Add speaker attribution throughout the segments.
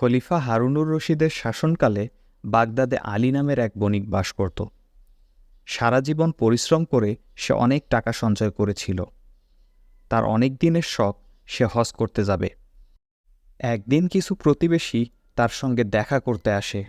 Speaker 1: খলিফা হারুনুর রশিদের শাসনকালে বাগদাদে আলী নামের এক বণিক বাস করত। সারা জীবন পরিশ্রম করে সে অনেক টাকা সঞ্চয় করেছিল। তার অনেক দিনের শখ সে হজ করতে যাবে। একদিন কিছু প্রতিবেশী তার সঙ্গে দেখা করতে আসে।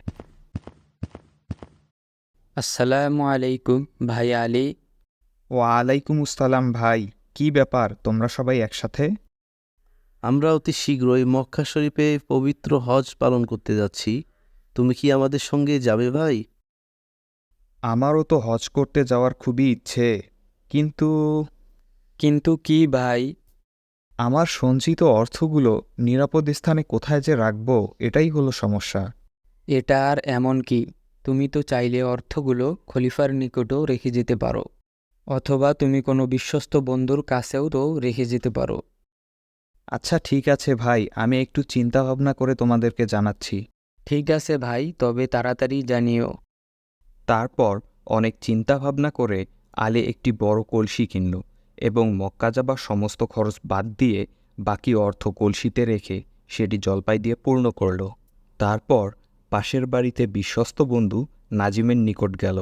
Speaker 2: আসসালামু আলাইকুম ভাই আলী।
Speaker 1: ওয়ালাইকুম আসসালাম ভাই, কি ব্যাপার তোমরা সবাই একসাথে?
Speaker 3: আমরা অতি শীঘ্রই মক্কা শরীফে পবিত্র হজ পালন করতে যাচ্ছি। তুমি কি আমাদের সঙ্গে যাবে ভাই?
Speaker 1: আমারও তো হজ করতে যাওয়ার খুবই ইচ্ছে, কিন্তু
Speaker 2: কিন্তু কি ভাই?
Speaker 1: আমার সঞ্চিত অর্থগুলো নিরাপদ স্থানে কোথায় যে রাখব, এটাই হলো সমস্যা।
Speaker 2: এটা আর এমন কি, তুমি তো চাইলে অর্থগুলো খলিফার নিকটও রেখে যেতে পারো, অথবা তুমি কোনো বিশ্বস্ত বন্ধুর কাছেও তো রেখে যেতে পারো।
Speaker 1: আচ্ছা ঠিক আছে ভাই, আমি একটু চিন্তা ভাবনা করে তোমাদেরকে জানাচ্ছি।
Speaker 2: ঠিক আছে ভাই, তবে তাড়াতাড়ি জানিও।
Speaker 1: তারপর অনেক চিন্তা ভাবনা করে আলী একটি বড় কলসি কিনল এবং মক্কা যাবার সমস্ত খরচ বাদ দিয়ে বাকি অর্থ কলসিতে রেখে সেটি জলপাই দিয়ে পূর্ণ করল। তারপর পাশের বাড়িতে বিশ্বস্ত বন্ধু নাজিমের নিকট গেল।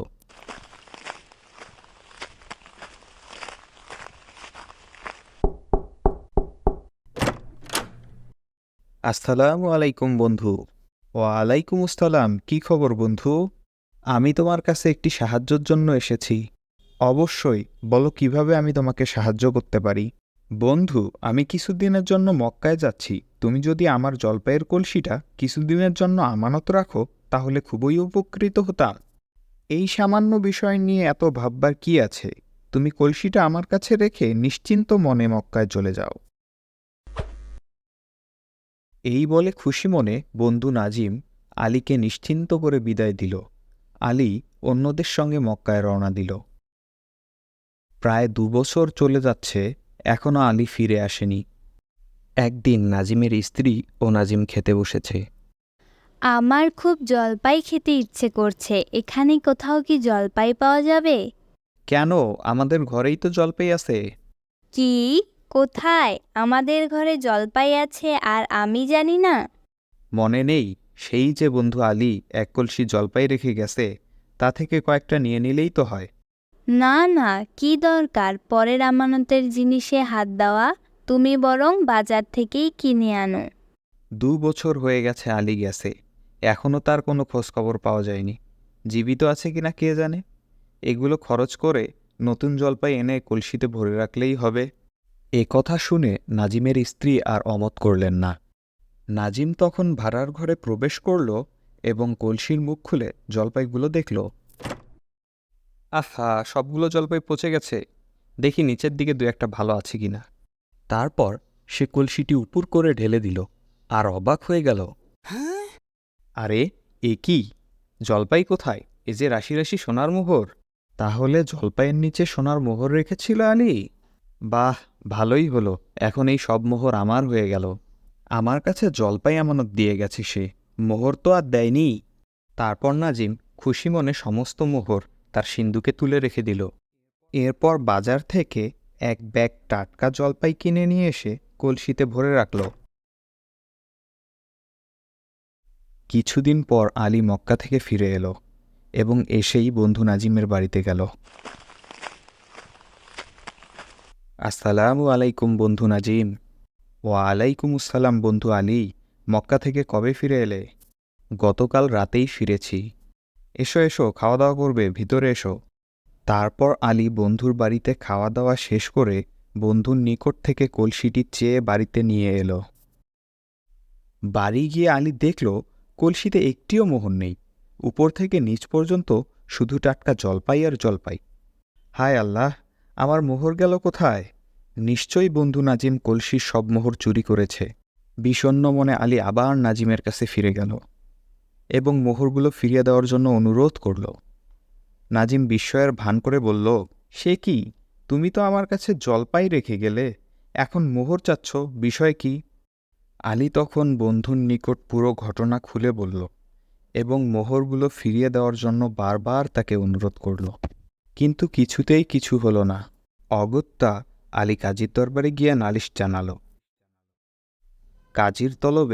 Speaker 1: আসসালামু আলাইকুম বন্ধু। ওয়ালাইকুম আসসালাম, কি খবর বন্ধু? আমি তোমার কাছে একটি সাহায্যের জন্য এসেছি। অবশ্যই, বলো কিভাবে আমি তোমাকে সাহায্য করতে পারি। বন্ধু, আমি কিছুদিনের জন্য মক্কায় যাচ্ছি। তুমি যদি আমার জলপাইয়ের কলসিটা কিছুদিনের জন্য আমানত রাখো তাহলে খুবই উপকৃত হতাম। এই সামান্য বিষয় নিয়ে এত ভাববার কি আছে? তুমি কলসিটা আমার কাছে রেখে নিশ্চিন্ত মনে মক্কায় চলে যাও। এই বলে খুশি মনে বন্ধু নাজিম আলীকে নিশ্চিন্ত করে বিদায় দিল। আলী অন্যদের সঙ্গে মক্কায় রওনা দিল। প্রায় ২ বছর চলে যাচ্ছে, এখনও আলী ফিরে আসেনি। একদিন নাজিমের স্ত্রী ও নাজিম খেতে বসেছে।
Speaker 4: আমার খুব জলপাই খেতে ইচ্ছে করছে, এখানে কোথাও কি জলপাই পাওয়া যাবে?
Speaker 1: কেন, আমাদের ঘরেই তো জলপাই আছে।
Speaker 4: কি? কোথায়? আমাদের ঘরে জলপাই আছে আর আমি জানি না?
Speaker 1: মনে নেই? সেই যে বন্ধু আলী এক কলসি জলপাই রেখে গেছে, তা থেকে কয়েকটা নিয়ে নিলেই তো হয়।
Speaker 4: না না, কি দরকার পরের আমানতের জিনিসে হাত দেওয়া? তুমি বরং বাজার থেকেই কিনে আনো।
Speaker 1: ২ বছর হয়ে গেছে আলী গেছে, এখনও তার কোনো খোঁজখবর পাওয়া যায়নি। জীবিত আছে কিনা কে জানে। এগুলো খরচ করে নতুন জলপাই এনে কলসিতে ভরে রাখলেই হবে। এ কথা শুনে নাজিমের স্ত্রী আর অমত করলেন না। নাজিম তখন ভাড়ার ঘরে প্রবেশ করল এবং কলসির মুখ খুলে জলপাইগুলো দেখল। আহা, সবগুলো জলপাই পচে গেছে। দেখি নিচের দিকে দু একটা ভালো আছে কিনা। তারপর সে কলসিটি উপর করে ঢেলে দিল আর অবাক হয়ে গেল। আরে, এ কি? জলপাই কোথায়? এ যে রাশি রাশি সোনার মোহর। তাহলে জলপাইয়ের নিচে সোনার মোহর রেখেছিল আলী? বাহ, ভালোই হলো, এখন এই সব মোহর আমার হয়ে গেল। আমার কাছে জলপাই আমানত দিয়ে গেছে সে, মোহর তো আর দেয়নি। তারপর নাজিম খুশি মনে সমস্ত মোহর তার সিন্দুকে তুলে রেখে দিল। এরপর বাজার থেকে এক ব্যাগ টাটকা জলপাই কিনে নিয়ে এসে কলসিতে ভরে রাখল। কিছুদিন পর আলী মক্কা থেকে ফিরে এলো এবং এসেই বন্ধু নাজিমের বাড়িতে গেল। আসসালামু আলাইকুম বন্ধু নাজিম। ওয়ালাইকুম আসসালাম বন্ধু আলী, মক্কা থেকে কবে ফিরে এলে? গতকাল রাতেই ফিরেছি। এসো এসো, খাওয়া দাওয়া করবে, ভিতরে এসো। তারপর আলী বন্ধুর বাড়িতে খাওয়া দাওয়া শেষ করে বন্ধুর নিকট থেকে কলসিটি চেয়ে বাড়িতে নিয়ে এলো। বাড়ি গিয়ে আলী দেখল কলসিতে একটিও মোহর নেই। উপর থেকে নিচ পর্যন্ত শুধু টাটকা জলপাই আর জলপাই। হায় আল্লাহ, আমার মোহর গেল কোথায়? নিশ্চয়ই বন্ধু নাজিম কলসির সব মোহর চুরি করেছে। বিষণ্ণ মনে আলী আবার নাজিমের কাছে ফিরে গেল এবং মোহরগুলো ফিরিয়ে দেওয়ার জন্য অনুরোধ করল। নাজিম বিস্ময়ের ভান করে বলল, সে কি, তুমি তো আমার কাছে জলপাই রেখে গেলে, এখন মোহর চাচ্ছ, বিষয় কি? আলী তখন বন্ধুর নিকট পুরো ঘটনা খুলে বলল এবং মোহরগুলো ফিরিয়ে দেওয়ার জন্য বারবার তাকে অনুরোধ করল। কিন্তু কিছুতেই কিছু হল না। অগত্যা আলী কাজীর দরবারে গিয়ে নালিশ জানাল। কাজীর তলবে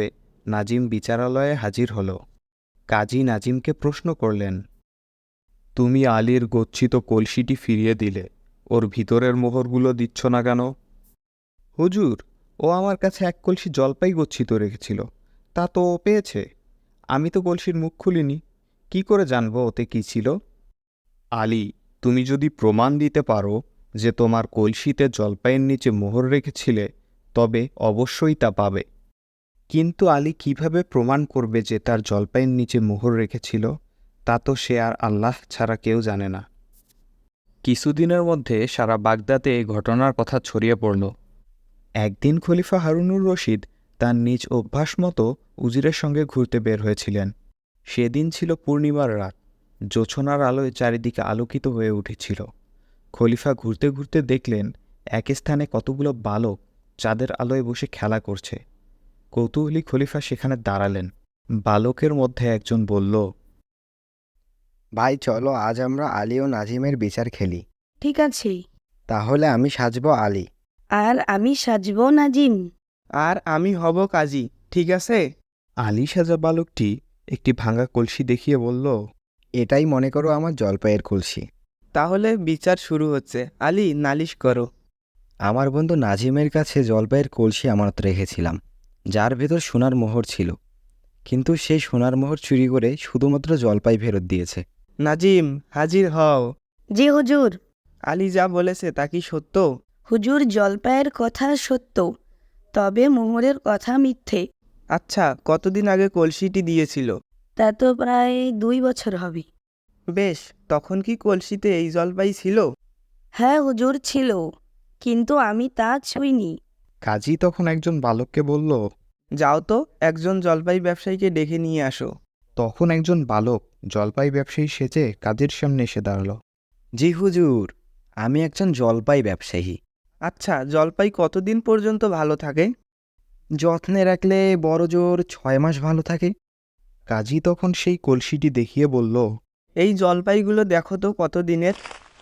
Speaker 1: নাজিম বিচারালয়ে হাজির হল। কাজী নাজিমকে প্রশ্ন করলেন, তুমি আলীর গচ্ছিত কলসিটি ফিরিয়ে দিলে, ওর ভিতরের মোহরগুলো দিচ্ছ না কেন? হুজুর, ও আমার কাছে এক কলসি জলপাই গচ্ছিত রেখেছিল, তা তো ও পেয়েছে। আমি তো কলসির মুখ খুলিনি, কি করে জানবো ওতে কি ছিল? আলী, তুমি যদি প্রমাণ দিতে পারো যে তোমার কলসিতে জলপাইয়ের নিচে মোহর রেখেছিলে, তবে অবশ্যই তা পাবে। কিন্তু আলী কিভাবে প্রমাণ করবে যে তার জলপাইয়ের নিচে মোহর রেখেছিল? তা তো সে আর আল্লাহ ছাড়া কেউ জানে না। কিছুদিনের মধ্যে সারা বাগদাদে এই ঘটনার কথা ছড়িয়ে পড়ল। একদিন খলিফা হারুনুর রশিদ তার নিজ অভ্যাস মতো উজিরের সঙ্গে ঘুরতে বের হয়েছিলেন। সেদিন ছিল পূর্ণিমার রাত, জোছনার আলোয় চারিদিকে আলোকিত হয়ে উঠেছিল। খলিফা ঘুরতে ঘুরতে দেখলেন এক স্থানে কতগুলো বালক চাঁদের আলোয় বসে খেলা করছে। কৌতূহলী খলিফা সেখানে দাঁড়ালেন। বালকের মধ্যে একজন বলল,
Speaker 5: ভাই চলো আজ আমরা আলী ও নাজিমের বিচার খেলি।
Speaker 6: ঠিক আছে।
Speaker 5: তাহলে আমি সাজবো আলী।
Speaker 6: আর আমি সাজবো নাজিম।
Speaker 7: আর আমি হব কাজী, ঠিক আছে?
Speaker 1: আলী সাজা বালকটি একটি ভাঙা কলসি দেখিয়ে বলল,
Speaker 5: এটাই মনে করো আমার জলপাইয়ের কলসি।
Speaker 7: তাহলে বিচার শুরু হচ্ছে। আলী, নালিশ করো।
Speaker 5: আমার বন্ধু নাজিমের কাছে জলপাইয়ের কলসি আমানত রেখেছিলাম, যার ভেতর সোনার মোহর ছিল, কিন্তু সেই সোনার মোহর চুরি করে শুধুমাত্র জলপাই ফেরত দিয়েছে।
Speaker 7: নাজিম, হাজির হও।
Speaker 6: জি হুজুর।
Speaker 7: আলী যা বলেছে তা কি সত্য?
Speaker 6: হুজুর, জলপাইয়ের কথা সত্য, তবে মোহরের কথা মিথ্যে।
Speaker 7: আচ্ছা, কতদিন আগে কলসিটি দিয়েছিল?
Speaker 6: তা তো প্রায় 2 বছর হবে।
Speaker 7: বেশ, তখন কি কলসিতে এই জলপাই ছিল?
Speaker 6: হ্যাঁ হুজুর, ছিল, কিন্তু আমি তা ছুঁইনি।
Speaker 1: কাজী তখন একজন বালককে বলল,
Speaker 7: যাও তো, একজন জলপাই ব্যবসায়ীকে ডেকে নিয়ে আসো।
Speaker 1: তখন একজন বালক জলপাই ব্যবসায়ী সেজে কাজীর সামনে এসে দাঁড়াল।
Speaker 5: জি হুজুর, আমি একজন জলপাই ব্যবসায়ী।
Speaker 7: আচ্ছা, জলপাই কতদিন পর্যন্ত ভালো থাকে?
Speaker 5: যত্নে রাখলে বড় জোর 6 মাস ভালো থাকে।
Speaker 1: কাজী তখন সেই কলসিটি দেখিয়ে বলল,
Speaker 7: এই জলপাইগুলো দেখো তো কতদিনের।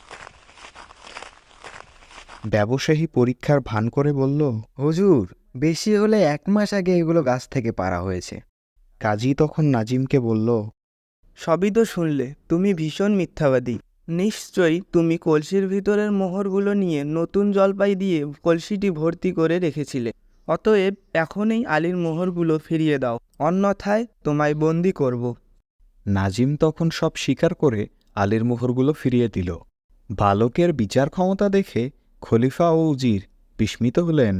Speaker 1: ব্যবসায়ী পরীক্ষার ভান করে বলল,
Speaker 5: হুজুর, বেশি হলে 1 মাস আগে এগুলো গাছ থেকে পাড়া হয়েছে।
Speaker 1: কাজী তখন নাজিমকে বলল,
Speaker 7: সবই তো শুনলে, তুমি ভীষণ মিথ্যাবাদী। নিশ্চয়ই তুমি কলসির ভিতরের মোহরগুলো নিয়ে নতুন জলপাই দিয়ে কলসিটি ভর্তি করে রেখেছিলে। অতএব এখনই আলীর মোহরগুলো ফিরিয়ে দাও, অন্যথায় তোমায় বন্দি করব।
Speaker 1: নাজিম তখন সব স্বীকার করে আলীর মোহরগুলো ফিরিয়ে দিল। বালকের বিচার ক্ষমতা দেখে খলিফা ও উজির বিস্মিত হলেন।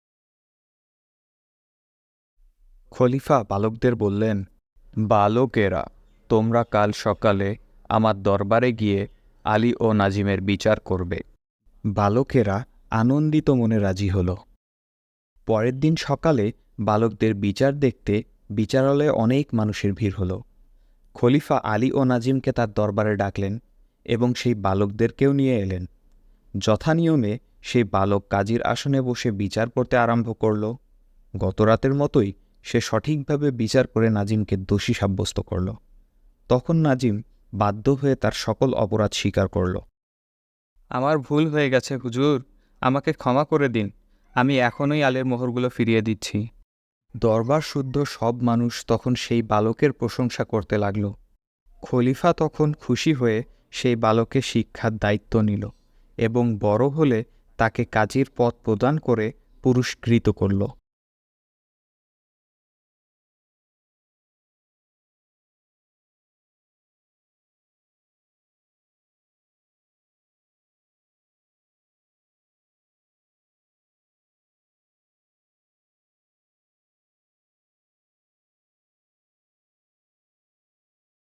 Speaker 1: খলিফা বালকদের বললেন, বালকেরা, তোমরা কাল সকালে আমার দরবারে গিয়ে আলী ও নাজিমের বিচার করবে। বালকেরা আনন্দিত মনে রাজি হল। পরের দিন সকালে বালকদের বিচার দেখতে বিচারালয়ে অনেক মানুষের ভিড় হল। খলিফা আলী ও নাজিমকে তার দরবারে ডাকলেন এবং সেই বালকদেরকেও নিয়ে এলেন। যথানিয়মে সেই বালক কাজীর আসনে বসে বিচার করতে আরম্ভ করল। গতরাতের মতোই সে সঠিকভাবে বিচার করে নাজিমকে দোষী সাব্যস্ত করল। তখন নাজিম বাধ্য হয়ে তার সকল অপরাধ স্বীকার করল।
Speaker 2: আমার ভুল হয়ে গেছে হুজুর, আমাকে ক্ষমা করে দিন, আমি এখনই আলের মোহরগুলো ফিরিয়ে দিচ্ছি।
Speaker 1: দরবার শুদ্ধ সব মানুষ তখন সেই বালকের প্রশংসা করতে লাগল। খলিফা তখন খুশি হয়ে সেই বালকের শিক্ষার দায়িত্ব নিল এবং বড় হলে তাকে কাজীর পদ প্রদান করে পুরস্কৃত করল।